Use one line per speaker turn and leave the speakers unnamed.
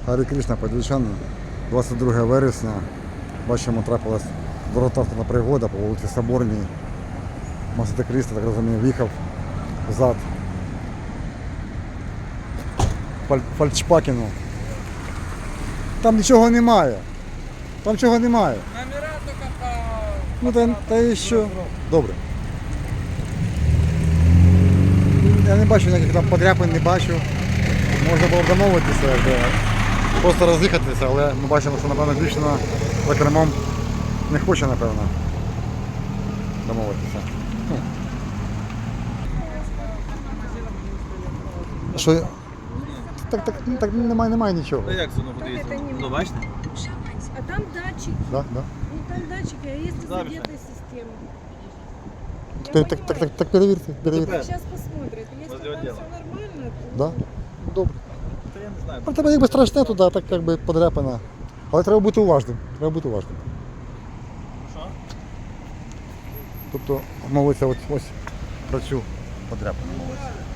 Гарі Кришна, подільчани, 22 вересня. Бачимо, трапилась дороготранспортна пригода по вулиці Соборній. Мотоцикліст, так розумію, в'їхав взад Фольксвагену. Там нічого немає. Там нічого немає.
Номера только по...
Ну та і що? Добре. Я не бачу ніяких там подряпин, не бачу. Можна було б домовитися, просто роз'їхатися, але ми бачимо, що, напевно, дівчина за кермом не хоче, напевно, домовитися. Що? Так немає нічого.
Ну як воно буде їздити? Ну бачите?
А там датчик.
Да?
Ну там датчик, а есть
Да,
задетая система.
Так перевірте.
Сейчас посмотрит. Если
Возле
там
отдела.
все нормально, то...
Да? Добре.
Та я не знаю.
Про тебе якби страшне туди, так якби подряпана. Але треба бути уважним.
Що?
Тобто мовиться ось про цю подряпану мовиться.